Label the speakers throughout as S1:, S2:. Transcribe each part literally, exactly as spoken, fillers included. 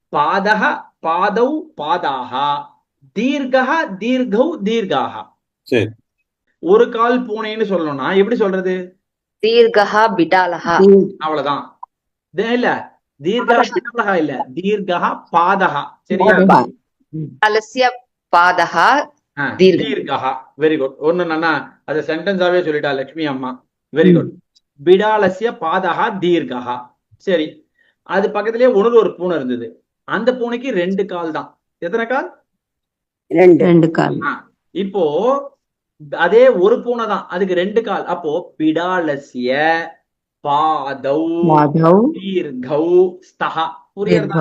S1: பாதக பாதௌ பாதாக, தீர்கஹ தீர்கௌ தீர்காக.
S2: சரி.
S1: ஒரு கால் பூனைன்னு சொல்லணும்னா எப்படி சொல்றது?
S3: தீர்கஹா பிடாலஹா.
S1: அவ்வளவுதான். இது இல்ல தீர்கஹ பிடாலஹா இல்ல, தீர்கஹ பாதகா. சரியா?
S3: அலசிய பாதகா
S1: தீர்கஹா. Very good. ஒண்ணு நானா அத சென்டென்ஸாவே சொல்லிட்டா லட்சுமி அம்மா. Very good. பிடாலசிய பாதகா தீர்கஹா. சரி, அது பக்கத்திலேயே ஒண்ணு ஒரு பூனை இருந்தது. அந்த பூனைக்கு ரெண்டு கால் தான். எத்தனை கால்?
S4: ரெண்டு ரெண்டு கால்.
S1: இப்போ அதே ஒரு பூனை தான், அதுக்கு ரெண்டு கால். அப்போ பிடாலசிய பாதௌ தீர்கௌ ஸ்தஹ. புரியுறதா?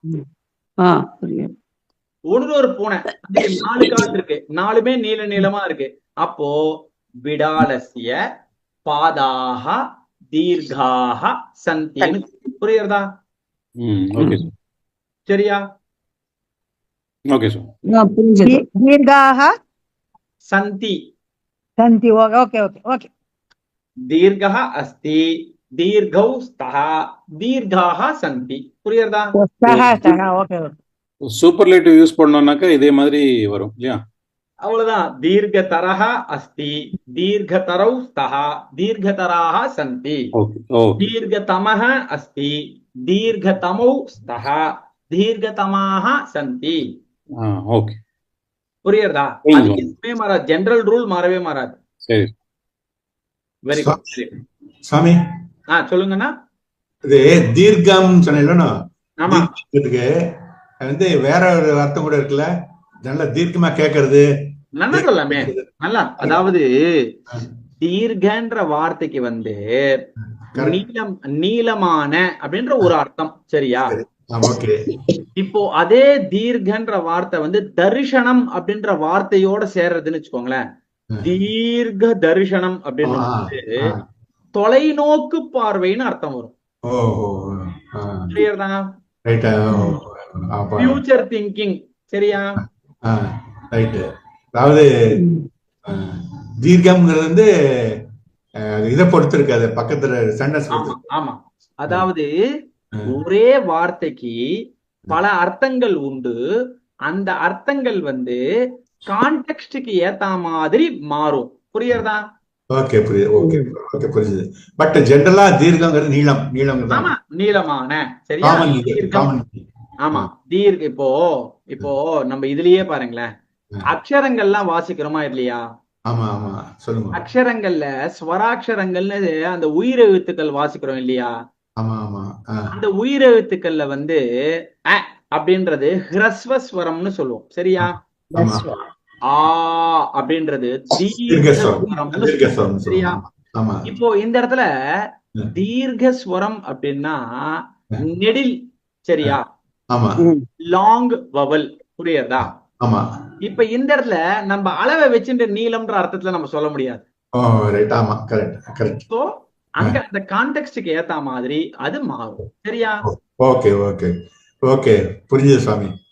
S1: ஒன்று ஒரு பூனை, அதுக்கு நாலு கால் இருக்கு, நாலுமே நீள நீளமா இருக்கு. அப்போ பிடாலசிய பாதாக தீர்காக சந்தின்னு. புரியுறதா? சரியா?
S2: Okay sir.
S4: தீர்காக
S1: சந்தி.
S4: சந்தி. Okay okay okay.
S1: தீர்கஹ அஸ்தி, தீர்கௌ ஸ்தஹ, தீர்காக சந்தி. புரியுறதா?
S4: ஓகே.
S2: சூப்பர்லேட்டிவ் யூஸ் பண்ணோம்னாக்கா இதே மாதிரி வரும் இல்லையா?
S1: அவ்வளவுதான். தீர்கதரஹ அஸ்தி, தீர்கதரௌ ஸ்தஹ, தீர்கதராக சந்தி. தீர்கதமஹ அஸ்தி, தீர்கதமௌ ஸ்தஹ, தீர்கதமாக சந்தி.
S2: ஓகே.
S1: புரியுறதா? அது எதுவுமே மாறாது. ஜெனரல் ரூல் மாறவே மாறாது.
S2: சரி.
S1: Very good.
S5: சாமி,
S1: ஆ சொல்லுங்கண்ணா.
S5: இது தீர்க்கம் சொன்னீங்களா?
S1: ஆமா.
S5: இதுக்கு வந்து வேற ஒரு அர்த்தம் கூட இருக்குல்ல, நல்ல தீர்க்கமா கேக்குறது.
S1: நல்லா சொல்லாமே. நல்லா, அதாவது தீர்க்கன்ற வார்த்தைக்கு வந்து நீளம், நீளமான அப்படின்ற ஒரு அர்த்தம். சரியா? இப்போ அதே தீர்க்கன்ற வார்த்தை வந்து தரிசனம் அப்படின்ற வார்த்தையோட சேர்றதுன்னு வச்சுக்கோங்களேன். தீர்க்க தரிசனம் அப்படின்றது தொலைநோக்கு பார்வைன்னு அர்த்தம் வரும். கிளியர் தானா? Future thinking. சரியா?
S5: ரைட். அதாவது தீர்க்கம்ங்கிறது வந்து இதை பொறுத்து இருக்காது, பக்கத்துல சென்டென்ஸ்.
S1: ஆமா, அதாவது ஒரே வார்த்தைக்கு பல அர்த்தங்கள் உண்டு. அந்த அர்த்தங்கள் வந்து கான்டெக்ஸ்டுக்கு ஏத்த மாதிரி மாறும். புரியுறதா?
S5: ஓகே, புரியுது. ஓகே ஓகே, புரியுது. பட் ஜெனரலா தீர்க்கங்கிறது நீளம், நீளம்.
S1: ஆமா, நீளமான. சரியா? ஆமா, தீர்க்க. இப்போ இப்போ நம்ம இதுலயே பாருங்களேன், அக்ஷரங்கள்லாம் வாசிக்கிறோமா இல்லையா?
S5: ஆமா ஆமா, சொல்லுங்க.
S1: அக்ஷரங்கள்ல ஸ்வராட்சரங்கள்னு அந்த உயிரெழுத்துக்கள் வாசிக்கிறோம் இல்லையா?
S5: ஆமா ஆமா.
S1: அந்த உயிரெழுத்துக்கள்ல வந்து அ அப்படின்றது ஹ்ரஸ்வஸ்வரம்னு சொல்லுவோம். சரியா? ஆ அப்படின்றது தீர்க்கஸ்வரம். சரியா? இப்போ இந்த இடத்துல தீர்க்கஸ்வரம் அப்படின்னா நெடில். சரியா? Long vowel. புரியுறதா?
S5: ஆமா.
S1: இப்ப இந்த இடத்துல நம்ம அளவை வச்சுட்டு நீளம்ன்ற அர்த்தத்துல நம்ம சொல்ல முடியாது. சோ அங்க அந்த கான்டெக்ஸ்டுக்கு ஏத்த மாதிரி அது மாறும். சரியா?
S5: ஓகே ஓகே ஓகே, புரியுது சாமி.